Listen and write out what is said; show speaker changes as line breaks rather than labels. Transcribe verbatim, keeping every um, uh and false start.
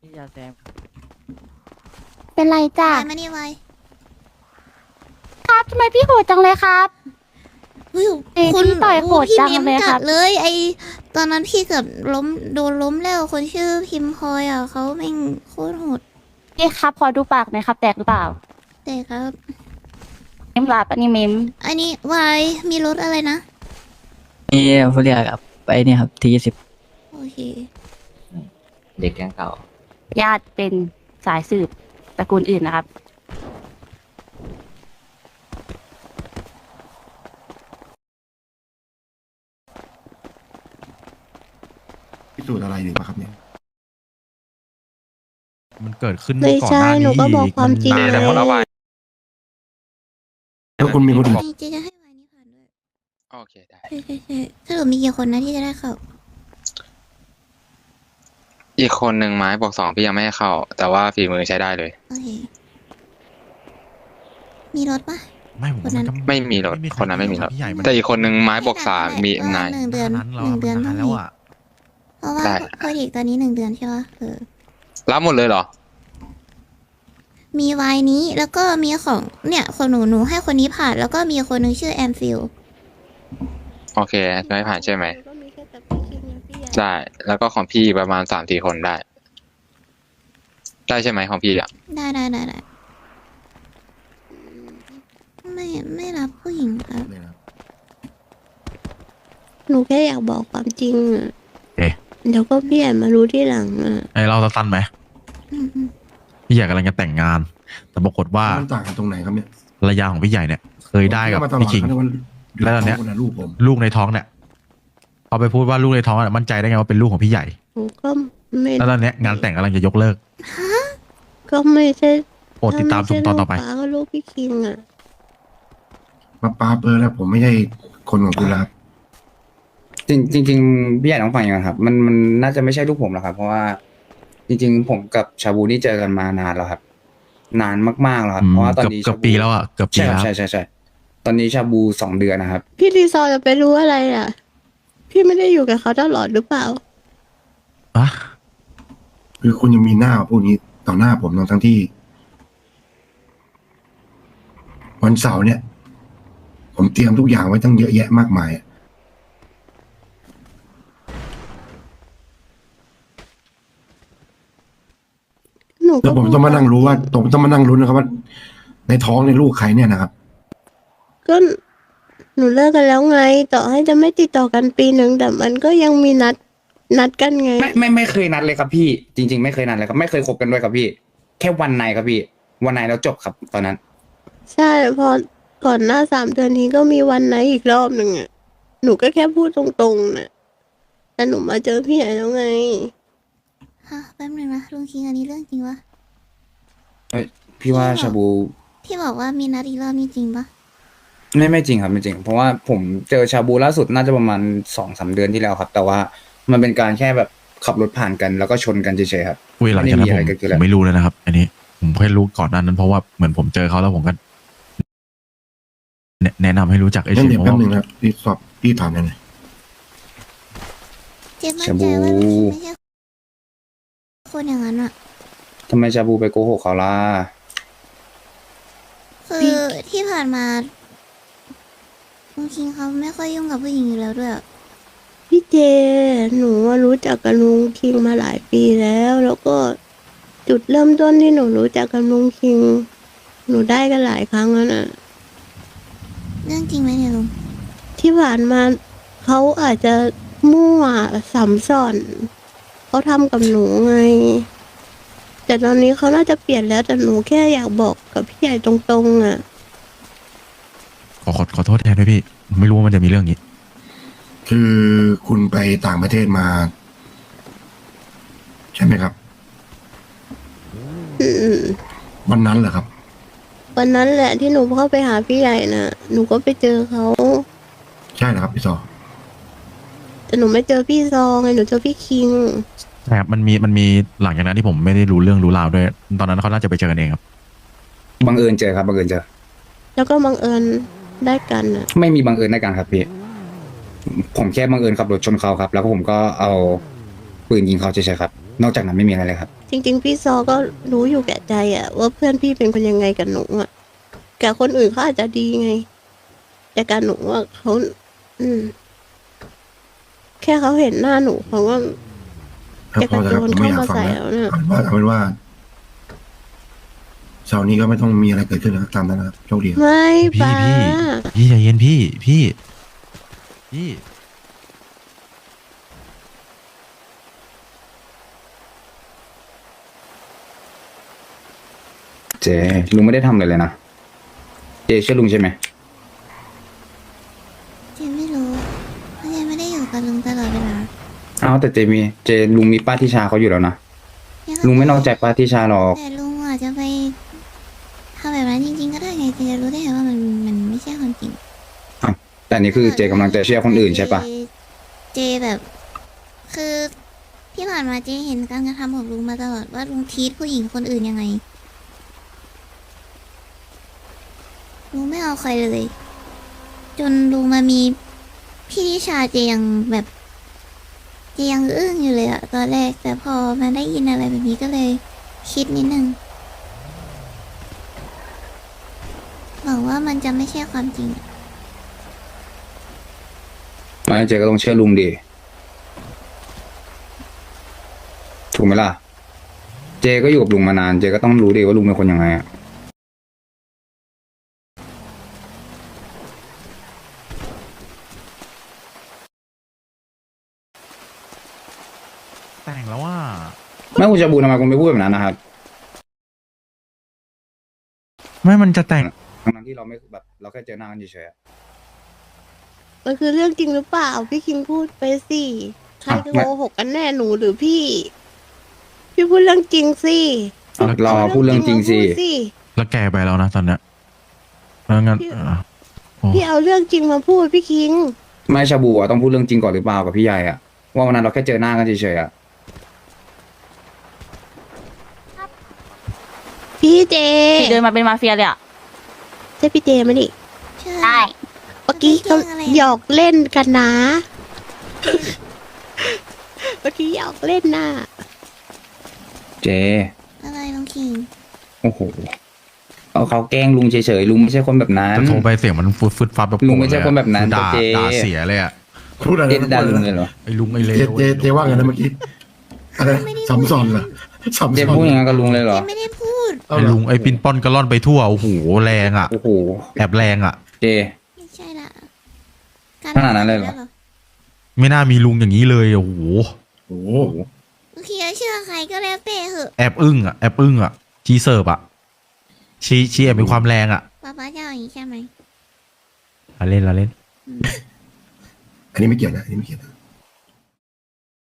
พี่ยาแซมครับ
เป็นไรจ้ะ
ไวมานี่ไว
ครับทำไมพี่โหดจังเลยครับ
เฮ้ย
เอ้ย
คุณ
พี่ต่อยโหด
พี่
จัง
เม้ม
เลยค
จั
รั
ด
บ
เลย ไอตอนนั้นพี่เกือบล้มโดนล้มแล้วคนชื่อพิมพลอยอ่ะเขาแม่งโคตรโหด
พี่ครับขอดูปากหน่อยครับ แตกหรือเปล่า
แต่ครับ
เมมหลับอันนี้เมม
อันนี้วายมีรถอะไรนะ
นี่เขาเรียกครับไปเนี่ยครับทีสิบ
โอเค
เด็กแก๊งเก่า
ญาติเป็นสายสืบตระกูลอื่นนะครับ
พิสูจน์อะไรอยู่ปะครับเนี่ย
มันเกิดขึ้น
ไม่
ก่อน
ใช่
หน้า
หนู
นี้
ก็บอก
อีก
ความจริง
น
ไง
นานแล้ว
แล้วคุณมีคนอื่น
จริงๆจะให้วายนี้ผ่านด้วย
โอเคได้
ใช่ใช่ใช่สรุปมีกี่คนนะที่จะได้เข้า
อีกคนหนึ่งไม้บอกสองพี่ยังไม่ให้เข้า แต่ว่าฝีมือใช้ได้เลย
โอเค มีรถปะ
ไม่ผมว่า
คนนั้น
มันก็
ไม่มีรถ
ใค
คนนั้นไม่มีรถ
พี่ใหญ่มัน
แต่อีกคนหนึ่งไม้บอกสามมี
เออ
นาย
หนึ่งเดือน
นั้น
ห
เรา
นึ่งเดือน
มั
ต้อน ง
นานแล้ว
มี
อ่ะ
เพราะว่า
ได้
โปรเจกต์ตอนนี้หนึ่งเดือนใช่ปะเออ
รับหมดเลยเหรอ
มีวายนี้แล้วก็มีของเนี่ยคนหนูหนูให้คนนี้ผ่าน แล้วก็มีคนหนึงชื่อแอมฟิล
โอเคไม่ผ่านใช่ไหม
ก็มีแค่แต่พี่คิดนะพี่ใหญ่
ได้ แล้วก็ของพี่ประมาณสามสี่คนได้ ได้ใช่ไหมของพี่อ่ะ
ได้ได้ได้ได้ไม่ไม่รับผู้หญิงครับ
เลยนะ
หนูแค่อยากบอกความจริงอะ
เอ๊ะ
เดี๋ยวก็พี่ใหญ่มารู้ที่หลังอ่ะ
ไอเราสั้นๆไหม
อืมอืม
พี่ใหญ่กำลังจะแต่งงาน แต่ปรากฏว่า
มันต่างกันตรงไหนครับเนี่ย
ภรรยาของพี่ใหญ่เนี่ย เคยได้กับ
ผมเชื่อมาตลอ
พี่คิง
ครับา
แล้วตอนเนี้ย
คนละลูกผม
ลูกในท้องเนี่ยพอไปพูดว่าลูกในท้องอะมั่นใจได้ไงว่าเป็นลูกของพี่ใหญ่
หนูก็ไม่
แล้วตอนเนี้ยงานแต่งกำลังจะยกเลิก
ก็ไม่ใช่
โปรดติดตามชมตอนต่อไป
ถ้าม่ใช่ลูกป้าก็ลูกพี่คิงอ่ะ
มาปาเปอร์แล้วผมไม่ใช่คนของคุณแล้วครับ
จริงจริงๆพี่ใหญ่ต้องฟังอย่างนั้นครับมันมันน่าจะไม่ใช่ลูกผมหรอกครับ เพราะว่า จริง ๆ ผมกับชาบูนี่เจอกันมานานแล้วครับ นานมากๆแล้วครับ
อืม
เพราะว่าตอน
เกือบ
นี้
เกือบปีแล้วอ่ะเกือบปี
ใช่ค
แล้
รับ
ว
ใช่ใช่ใช่ตอนนี้ชาบูสองเดือนนะครับ
พี่รีซอร์จะไปรู้อะไรอ่ะ พี่ไม่ได้อยู่กับเขาตลอดหรือเปล่า
อะ
คือคุณยังมีหน้าพูดนี้ต่อหน้าผมทั้งทั้งที่ วันเสาร์เนี่ย ผมเตรียมทุกอย่างไว้ตั้งเยอะแยะมากมายอะ
หนู
แล้
ก็
วผมต้องมานั่งรู้ว่าผมต้องมานั่งรู้นนะครับว่า ในท้องในลูกใครเนี่ยนะครับ
ก็หนูเลิกกันแล้วไง ต่อให้จะไม่ติดต่อกันปีหนึ่งแต่มันก็ยังมีนัดนัดกันไง
ไม่ไม่ไม่เคยนัดเลยครับพี่ จริง ๆ ไม่เคยนัดเลยครับ ไม่เคยคบกันด้วยครับพี่ แค่วันในครับพี่ วันในแล้วจบครับ ตอนนั้น
ใช่พอก่อนหน้าสามเดือนนี้ก็มีวันไหนอีกรอบหนึ่งอ่ะ หนูก็แค่พูดตรงๆน่ะแต่หนูมาเจอพี่ใหญ่แล้วไง
ฮะแป๊บนึงนะลุงคิงอันนี้เรื่องจริงปะ
พี่ว่าชาบู
ที่บอกว่ามีนัดอีกรอบนี่จริงปะ
ไม่ไม่จริงครับไม่จริง เพราะว่าผมเจอชาบูล่าสุดน่าจะประมาณสองสามเดือนที่แล้วครับ แต่ว่ามันเป็นการแค่แบบขับรถผ่านกันแล้วก็ชนกันเฉยๆครับ
อุ้ยหลังจากนั้นผม
ไม่ได้มีอะไรเกิดขึ้น
ผ
แล้ว
มไม่รู้เลยนะครับ อันนี้ผมแค่รู้ก่อนหนั้นนั้น เพราะว่าเหมือนผมเจอเขาแล้วผมก็แนะแนะนำให้รู้จักไอ้
งั้น
เฉย
เดี๋ยว
เพราะ
แป๊บ
ว่า
หนึ่งนะครับพี่สอบพี่ถามหน่อย
เจ็บมั่นใจว่าลุงคิงไม่ใช่คนอย่างนั้นอะ
ทำไมชาบูไปโกหกเขาล่ะ
คือที่ผ่านมาลุงคิงเขาไม่ค่อยยุ่งกับผู้หญิงอยู่แล้วด้วยอะ
พี่เจ หนูว่ารู้จักกับลุงคิงมาหลายปีแล้ว แล้วก็จุดเริ่มต้นที่หนูรู้จักกับลุงคิง หนูได้กันหลายครั้งแล้วน่ะ
เรื่องจริงไหมเนี่ยลุง
ที่ผ่านมาเขาอาจจะมั่วสัมสอนเขาทำกับหนูไง แต่ตอนนี้เขาน่าจะเปลี่ยนแล้วแต่หนูแค่อยากบอกกับพี่ใหญ่ตรงๆอ่ะ
ขอขอขอโทษแทนด้วยพี่ ไม่รู้ว่ามันจะมีเรื่องนี้
คือคุณไปต่างประเทศมา ใช่ไหมครับ
อืม
วันนั้นเหรอครับ
วันนั้นแหละที่หนูเข้าไปหาพี่ใหญ่น่ะ หนูก็ไปเจอเขา
ใช่เหรอครับพี่ซอ
แต่หนูไม่เจอพี่ซองไงหนูเจอพี่คิง
ใช่ครับมันมีมันมีหลังจากนั้นที่ผมไม่ได้รู้เรื่องรู้ราวด้วย ตอนนั้นเขาน่าจะไปเจอกันเองครับ
บังเอิญเจอครับบังเอิญเจอ
แล้วก็บังเอิญได้กันอ่ะ
ไม่มีบังเอิญในการครับพี่ ผมแค่บังเอิญขับรถชนเขาครับ แล้วก็ผมก็เอาปืนยิงเขาเฉยๆครับนอกจากนั้นไม่มีอะไรเลยครับ
จริง ๆ พี่ซอก็รู้อยู่แก่ใจอะว่าเพื่อนพี่เป็นคนยังไงกับหนูอะกับคนอื่นเขาอาจจะดีไง แต่กับหนูอะเขาอืม แค่เขาเห็นหน้าหนูเขาก็
ครับ
จะ
พ
ก
อ
ระ
จะ
โจ
ครับ
น
ผมไม่
เข้า
อยาก
มา
ฟัง
ใส่
แล้ว
แล้วเนี่ย
เอาเป็นว่าเอาเป็นว่าเช้านี้ก็ไม่ต้องมีอะไรเกิดขึ้นนะครับตามนั้นนะครับโชคดีครับ
ไม่
พี่
ป้า
พี่พี่ใจเย็นพี่พี่พี่
เจลุงไม่ได้ทำเลยเลยนะเจเชื่อลุงใช่ไหม
เจนไม่รู้เพราะเจนไม่ได้อยู่กับลุงตลอดเวลา
อ้าวแต่เจมีเจลุงมีป้าทิชาเขาอยู่แล้วนะลุงไม่นอกใจป้าทิชาหรอก
แต่ลุงอาจจะไปทำแบบนั้นจริงๆก็ได้ไงเจจะรู้ได้ไงว่ามันมันไม่ใช่ความจริง
แต่อันนี่คือเจกำลังจะเชื่อคนอื่นใช่ปะ
เจเจแบบ คือที่ผ่านมาเจเห็นการกระทำของลุงมาตลอดว่าลุงทีทผู้หญิงคนอื่นยังไงลุงไม่เอาใครเลย จนลุงมามีพี่นิชาเจยังแบบเจยังอึ้งอยู่เลยอะตอนแรก แต่พอมาได้ยินอะไรแบบนี้ก็เลยคิดนิดนึงบอกว่ามันจะไม่ใช่ความจริง
ไม่เจก็ต้องเชื่อลุงดิถูกไหมล่ะ เจก็อยู่กับลุงมานาน เจก็ต้องรู้ดิว่าลุงเป็นคนยังไงอะ
แต่งแล้วว่า
ไม่คุณจะบูทำไมคุณไม่พูดแบบนั้นนะครับ
ไม่มันจะแต่ง
ทั้งๆที่เราไม่แบบเราแค่เจอหน้ากันเฉยๆอะ
มันคือเรื่องจริงหรือเปล่า พี่คิงพูดไปสิใคร
อ่ะ
จะ
ไม่
โกหกกันแน่หนูหรือพี่ พี่พูดเรื่องจริงสิ
อ่ะรอพูดเรื่องจริงสิ
มาพูดสิ
แล้วแกไปแล้วนะตอนเนี้ยแล้วงั้น
พี่
เออโอ้
พี่เอาเรื่องจริงมาพูดพี่คิง
ไม่ชาบูอะต้องพูดเรื่องจริงก่อนหรือเปล่ากับพี่ใหญ่อะว่าวันนั้นเราแค่เจอหน้ากันเฉยๆอะ
พี่เจ
เดินมาเป็นมาเฟียเลยอ่ะ
ใช่พี่เจไหมนี่
ใช่
ได้
เมื่อกี้เขา
เรื่องอะไร
หยอกเล่นกันนะ เมื่อกี้หยอกเล่นน่ะ
เจ
อะไรลุงคิง
โอ้โหเอาเขาแกล้งลุงเฉยๆลุงไม่ใช่คนแบบนั้น
จะโทรไปเสียงมันฟุดฟุดฟับแบบ
ลุงไม่ใช่คนแบบนั้น
ด่า
เจ๊
ด่าเสียเลยอ่ะ
พูดอะไร
เจ
นะ
ด่าลุงเลยเหรอ
ไอ้ลุงไอ้เล
เจ
ว
เจเจว่าไงนะเมื่อกี้อะไรสัมซอนเหรอสัม
เจ
ซอน
พูดอย่างนั้นกับลุงเลยเหร
เจ
อ
ไม่ได้พูด
เอา
ไอ้
เหรอ
ลุงไอ้ปินป้อนกระล่อนไปทั่วโอ้โหแรงอ่ะ
โอ้โห
แอบแรงอ่ะ
เจ
ไม่ใช่ละกร
ขนาดนั้นเลยเหรอ
ไม่น่ามีลุงอย่างนี้เลยโอ้โห
โอ้โห
ลุงคิงจะเชื่อใครก็แล้วแต่เหอะ
แอบอึ้งอ่ะแอบอึ้งอ่ะชีเสิร์ฟอ่ะชีชีแอบมีความแรงอ่ะ
ป๊าป๊าจะเอาอย่างนี้ใช่ไหม
เราเล่นเราเล่น
อืม
อันนี้ไม่เกี่ยวนะอันนี้ไม่เกี่ยวนะ